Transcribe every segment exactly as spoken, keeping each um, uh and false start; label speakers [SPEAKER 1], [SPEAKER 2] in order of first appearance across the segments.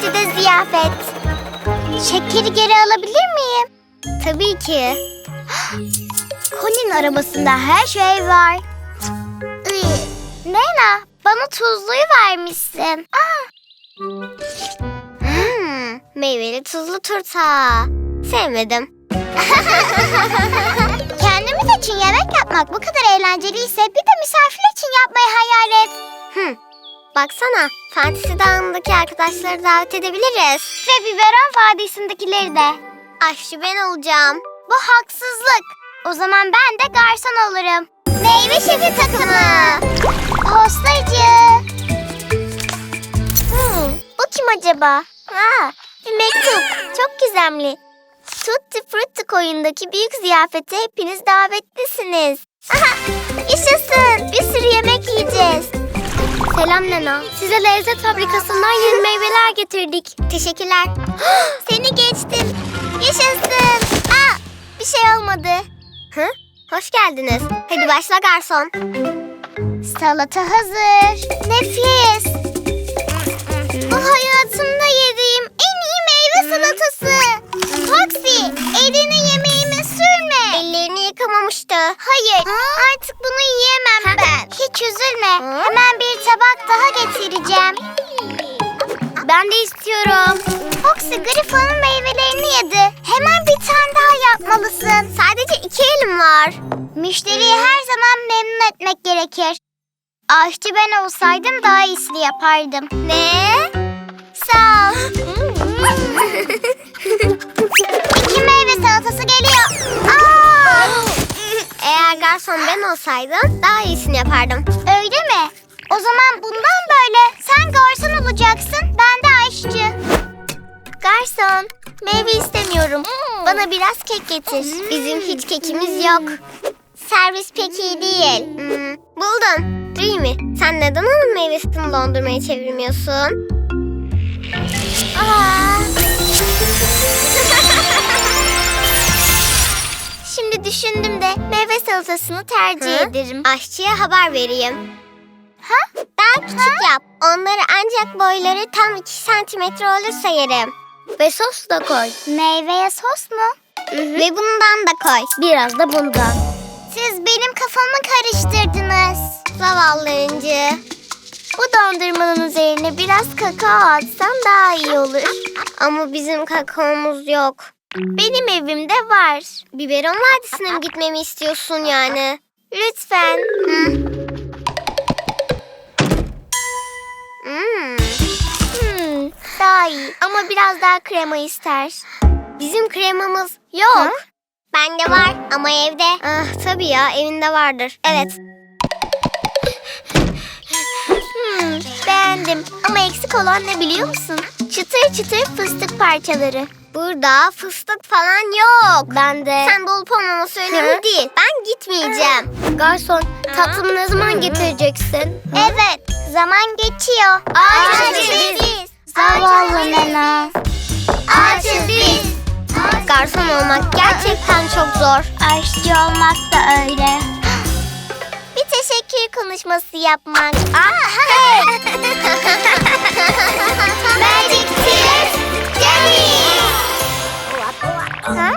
[SPEAKER 1] partide ziyafet. Şekeri geri alabilir miyim? Tabii ki. Colin'in arabasında her şey var. Nena, bana tuzluyu vermişsin. Aa. Hmm, meyveli tuzlu turta. Sevmedim. Kendimiz için yemek yapmak bu kadar eğlenceliyse bir de misafir için yapmayı hayal et. Hmm. Baksana, Fantezi Dağı'ndaki arkadaşları davet edebiliriz. Ve Biberon Vadisi'ndekileri de. Aşçı ben olacağım. Bu haksızlık. O zaman ben de garson olurum. Meyve şefi takımı. Postacı. Hmm, bu kim acaba? Aa, bir mektup. Çok gizemli. Tutti Frutti koyundaki büyük ziyafete hepiniz davetlisiniz. Aha, yaşasın. Bir sürü yemek yiyeceğiz. Selam Nena. Size lezzet fabrikasından yeni meyveler getirdik. Teşekkürler. Seni geçtim. Yaşasın. Aa, bir şey olmadı. Hı? Hoş geldiniz. Hadi başla garson. Salata hazır. Nefis. Bu hayatımda yediğim en iyi meyve salatası. Foxy, elini yemeğime sürme. Ellerini yıkamamıştı. Hayır, artık bunu yiyemem ben. Hiç üzülme. Hemen bir tabak daha getireceğim. Ben de istiyorum. Foxy, Griffon'un meyvelerini yedi. Hemen bir tane daha yapmalısın. Sadece iki elim var. Müşteriyi her zaman memnun etmek gerekir. Aşçı ben olsaydım daha iyisini yapardım. Ne? Sağ ol. İki meyve salatası geliyor. Aa! Eğer garson ben olsaydım daha iyisini yapardım. Öyle mi? O zaman bundan böyle sen garson olacaksın, ben de aşçı. Garson, meyve istemiyorum. Bana biraz kek getir. Bizim hiç kekimiz yok. Servis pek iyi değil. Hmm, buldum. Dreamy, sen neden onun meyvesini dondurmaya çevirmiyorsun? Aa. Şimdi düşündüm de meyve salatasını tercih Hı? ederim. Aşçıya haber vereyim. Ha? Daha küçük ha? yap. Onları ancak boyları tam iki santimetre olursa yerim. Ve sos da koy. Meyveye sos mu? Hı hı. Ve bundan da koy. Biraz da bundan. Siz benim kafamı karıştırdınız. Zavallı İnci. Bu dondurmanın üzerine biraz kakao atsan daha iyi olur. Ama bizim kakaomuz yok. Benim evimde var. Biberon Vadisi'ne mi gitmemi istiyorsun yani? Lütfen. Hı. Hmm. Hmm, daha iyi ama biraz daha krema ister. Bizim kremamız yok. Hı? Bende var ama evde. Ah, tabii ya, evinde vardır. Evet. Hmm, beğendim ama eksik olan ne biliyor musun? Çıtır çıtır fıstık parçaları. Burada fıstık falan yok. Bende. Sen dolup olmaması önemli değil. Ben gitmeyeceğim. Garson, tatlımı ne zaman getireceksin? Evet, zaman geçiyor. Açız biz. Zavallı Nena. Açız biz. Garson olmak gerçekten çok zor. Aşçı olmak da öyle. Bir teşekkür konuşması yapmak. Aa, hey. Magic Tears Jenny. Ha?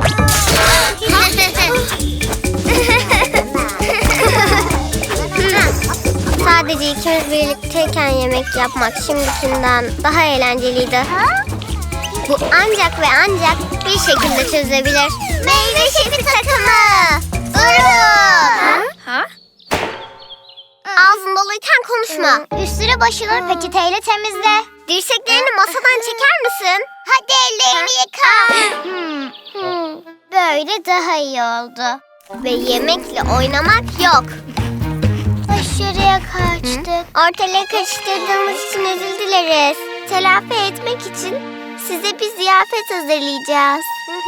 [SPEAKER 1] Sadece ikimiz birlikteyken yemek yapmak şimdikinden daha eğlenceliydi. Ha? Bu ancak ve ancak bir şekilde çözebilir. Meyve şefi takımı. Durun. Ha? Ha? Ağzın doluyken konuşma. Üstünü başını peçeteyle temizle. Dirseklerini masadan çeker misin? Hadi ellerini yıka. Hmm, hmm. Böyle daha iyi oldu. Ve yemekle oynamak yok. Aşırıya kaçtık. Hı? Ortalığı karıştırdığımız için özür dileriz. Telafi etmek için size bir ziyafet hazırlayacağız.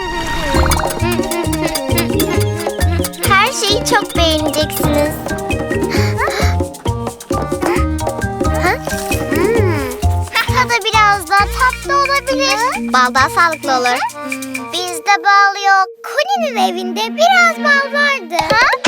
[SPEAKER 1] Her şeyi çok beğeneceksiniz. Tadı biraz daha tatlı olabilir. Bal daha sağlıklı olur. Bizde bal yok. Colin'in evinde biraz bal vardı. Ha?